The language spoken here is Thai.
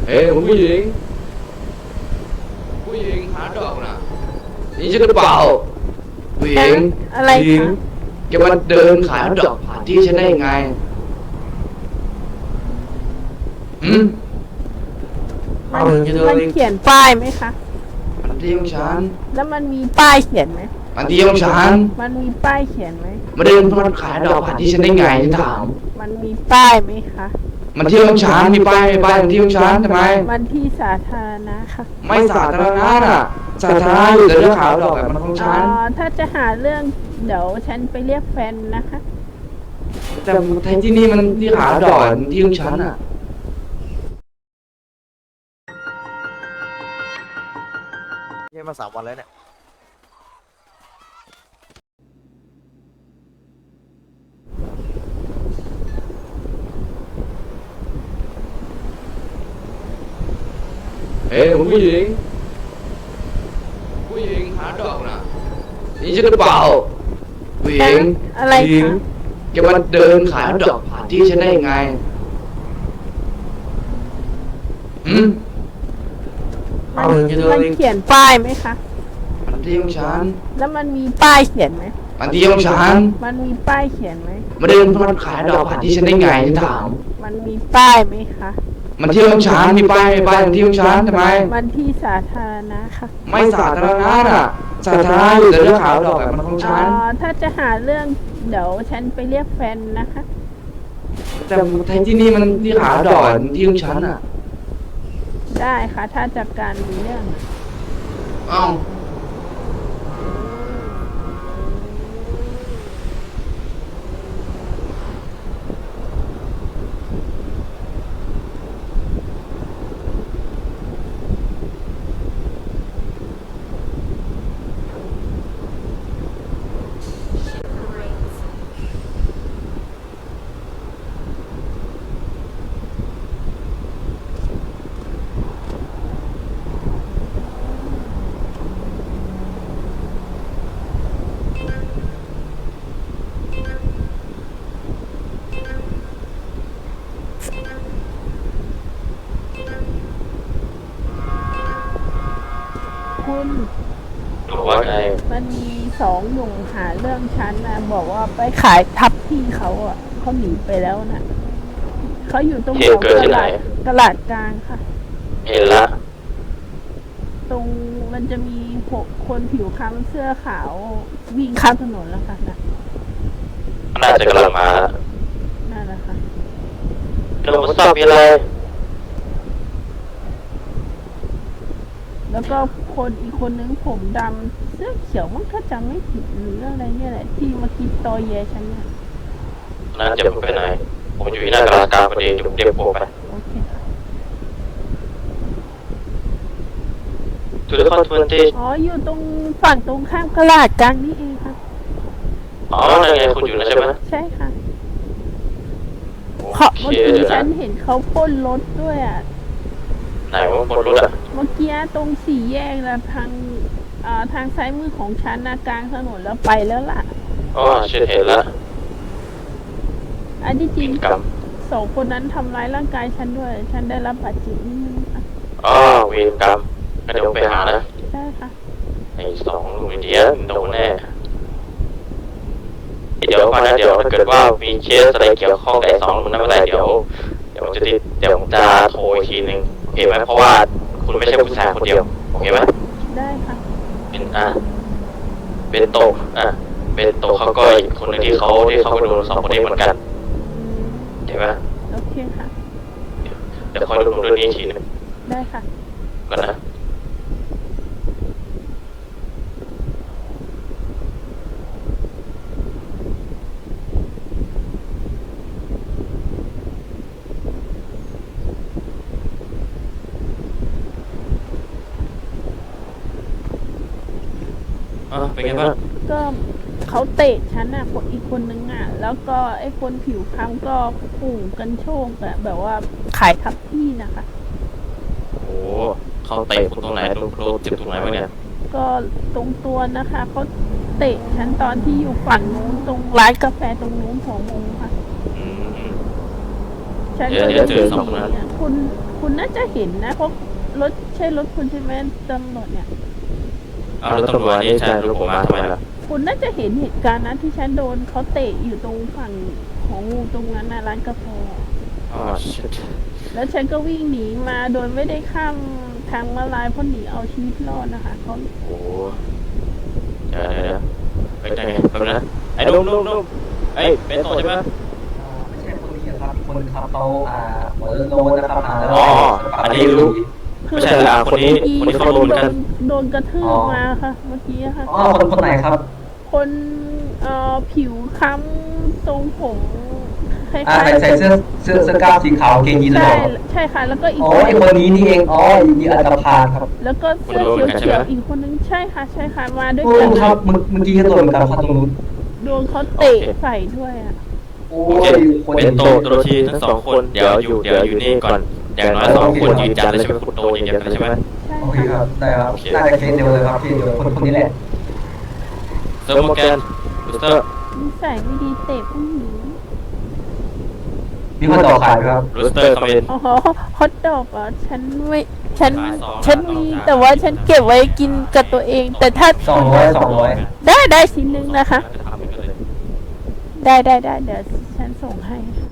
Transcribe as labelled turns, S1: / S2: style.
S1: เฮ้ยคุณผู้หญิงหาดอกนะนี่ใช่หรือเปล่าผู้หญิง
S2: อะไร
S1: ผู้หญิง
S2: คะ
S1: แกมาเดินขายดอกผ่านที่ฉันได้ยังไงอืม
S2: มัน
S1: เอาอย่างนี้เถอะ
S2: มันเขียนป้ายไหมคะ
S1: มันที่ของฉัน
S2: แล้วมันมีป้ายเขียนไหม
S1: มันที่ของฉัน
S2: มันมีป้ายเขียนไหม
S1: มาเดินมาขายดอกผ่านที่ฉันได้ไงฉันถาม
S2: มันมีป้ายไหมคะ
S1: มันที่ของฉันมีป้ายมันที่ของฉันทำไม
S2: มันที่สาธารณะค่ะ
S1: ไม่สาธารณะน่ะสาธารณะอยู่แต่เรื่องขายดอกแบบมันของฉัน
S2: ถ้าจะหาเรื่องเดี๋ยวฉันไปเรียกแฟนนะคะ
S1: แต่แทนที่นี่มันที่ขายดอกมันที่ของฉันอ่ะ
S3: เยี่ยมมา3 วันแล้วเนี่ย
S1: เฮ้ยคุณผู้หญิงหาดอกนะนี่ใช่หรือเปล่าผู้หญิง
S2: อะไร
S1: ผู้หญิง
S2: คะ
S1: แกมาเดินขายดอกผ่านที่ฉันได้ยังไงอืม
S2: มัน
S1: เอาอย่างนี้เถอะ
S2: มันเขียนป้ายไหมคะ
S1: มันที่ของฉัน
S2: แล้วมันมีป้ายเขียนไหม
S1: มันที่ของฉัน
S2: มันมีป้ายเขียนไหม
S1: มาเดินมาขายดอกผ่านที่ฉันได้ไงฉันถาม
S2: มันมีป้ายไหมคะ
S1: มันที่ของฉันมีป้ายมันที่ของฉันทำไม
S2: มันที่สาธารณะค่ะ
S1: ไม่สาธารณะน่ะสาธารณะอยู่แต่เรื่องขายดอกแบบมันของฉัน
S2: ถ้าจะหาเรื่องเดี๋ยวฉันไปเรียกแฟนนะคะ
S1: แต่แทนที่นี่มันที่ขายดอกมันที่ของฉันอ่ะ
S2: ได้ค่ะ ถ้าจากการมีเรื่อง
S1: เอ้า
S2: คุณ
S4: ว่าไง
S2: มันมี2 หนุ่มหาเรื่องฉันนะบอกว่าไปขายทับที่เขาอ่ะเขาหนีไปแล้วนะเขาอยู่ตรงแถวตลาดกลางค่ะ
S4: เห็นละ
S2: ตรงมันจะมีคนผิวคล้ำเสื้อขาววิ่งข้ามถนนแล้วค่ะนะ
S4: น่าจะกำลังมา
S2: นั่นแหละค่ะ
S4: เราไม่ทราบมีอะไร
S2: แล้วก็คนอีกคนนึงผมดำเสื้อเขียวมันก็จำไม่ผิดหรืออะไรเนี่ยแหละที่มาคิดตอแยฉันเนี่ย
S4: น่าจะไปไหน ผมอยู่ที่หน้ากลางพอดีจุดเรียกผมไป
S2: โอเคค่ะ
S4: จุดเริ่มต้นที่
S2: อ๋ออยู่ตรงฝั่งตรงข้ามตลาดกลางนี่เองค่ะ
S4: อ๋อนั่นไงคุณอยู่นะใช่ไหม
S2: ใช่ค่ะ
S4: โอ
S2: เพราะ
S4: เค
S2: เมื่อกี้
S4: เดี๋ยว
S2: ฉั
S4: นะ
S2: นเห็นเขาปล้นรถด้วยอ่ะ
S4: ไหนว่าบนรถอ่ะ
S2: เมื่อกี้ตรงสี่แยกนะทางซ้ายมือของฉันนะกลางถนนแล้วไปแล้วล่ะ
S4: อ๋อฉันเห็นละ
S2: อันที่จริง
S4: กรรม
S2: 2 คนนั้นทำร้ายร่างกายฉันด้วย ฉันได้รับบาดเจ็บนิดนึงค่ะ
S4: อ๋อเวรกรรมก็เดี๋ยวไปหานะ
S2: ใช่ค่ะ
S4: ไอ้2 หนุ่มอินเดียโดนแน่เดี๋ยวก่อนนะเดี๋ยวถ้าเกิดว่ามีเคสอะไรเกี่ยวข้องกับไอ้2 หนุ่มนั้นเมื่อไหร่เดี๋ยวผมจะโทรอีกทีนึงโอเคไหมเพราะว่าคุณไม่ใช่ผู้ชายคนเดียวโอเคไหม
S2: ได้ค่ะ
S4: เป็นเป็นโตะเป็นโตะเขาก็อีกคนหนึงที่เขาก็โดน2 คนนี้เหมือนกันเห็นไหม
S2: โอเคค่ะ
S4: เดี๋ยวคอยดูเรื่องนี้อีกทีหนึง
S2: ได้ค่ะ
S4: ก่อนนะเป็นไงบ้าง
S2: ก็เขาเตะฉันอ่ะคนอีกคนนึงอ่ะ แล้วก็ไอ้คนผิวคล้ำก็ขู่กันโชคอะแบบว่าขายทับที่นะคะ
S4: โอ้เขาเตะคุณตรงไหนตรงโครเจ็บตรงไหนบ้างเนี่ย
S2: ก็ตรงตัวนะคะเขาเตะฉันตอนที่อยู่ฝั่งนู้นตรงร้านกาแฟตรงนู้นหัวมุมค่ะ
S4: อืม
S2: ฉัน
S4: เดี๋ยวเจอสองคนนั้น
S2: คุณน่าจะเห็นนะเพราะรถใช่รถคุณใช่ไหมตำรวจเนี่ย
S4: เอาแล้วตำรวจนี่ใช่รถผมมาทำไมล่ะ
S2: คุณน่าจะเห็นเหตุการณ์นั้นที่ฉันโดนเขาเตะอยู่ตรงฝั่งของงูตรงนั้นนะร้านกาแฟ
S4: อ๋อ shit
S2: แล้วฉันก็วิ่งหนีมาโดยไม่ได้ข้ามทางม้าลายเพราะหนีเอาชีวิตรอดนะคะเขา
S4: โอ้เดี๋ยวไปไหนแป๊บนะไอ้นุ่มไอ้เป็นโตใช่ไหม
S1: ไม่ใช่คนนี้ครับคนขับเขาหัวโลนนะครับแล้ว
S4: อ๋ออันนี้รู้ ไม่ใช่ละคนนี้เขาโดนกัน
S2: โดนกระทืบมาค่ะเมื่อกี้ค่ะ
S1: อ๋อคนไหนครับ
S2: คนผิวค้ำทรงผมคล้าย
S1: ใส่เสื้อกล้ามสีขาวเกงยีนส์หร
S2: ใช่
S1: อ
S2: ใช่ค่ะ แล้วก็อีก
S1: อ๋อไอคนนี้นี่เองอ๋อยีอัตภาครับ
S2: แล้วก็เสื้อเขียวๆอีกคนนึงใช่ค่ะมาด้วย
S1: โอ้
S2: กัน
S1: ครับเมื่อกี้ก็โดนเหมือนกันครับตรงนู้น
S2: โดนเขาเตะใส่ด้วยอ่ะ
S1: โอ้
S4: โอเค
S1: ยคน
S4: เป็นโตโดนทีทั้งสองคนเดี๋ยวอยู่นี่ก่อนอย่างน้อยสองคนยืนยันแล้วใช่ไหมคุณโตยืนยันแล้วใช่ไหม
S2: ใช่
S1: โอเค
S2: ค่ะ
S1: ครับได้ครับน่าจะเคสเดียวเลยครับเคสเดียวคนนี้แหละ
S4: เซอร์โมแกนบูสเตอร์
S2: นิสัยไม่ดีเตะผู้หญิง
S1: มีคนต่อขายครับ
S4: บูสเตอร์คอมเมน
S2: อ๋อฮอตดอกอ่ะฉันมีแต่ว่าฉันเก็บไว้กินกับตัวเอง แต่ถ้า
S1: 200
S2: ได้ชิ้นนึงนะคะ ได้เดี๋ยวฉันส่งให้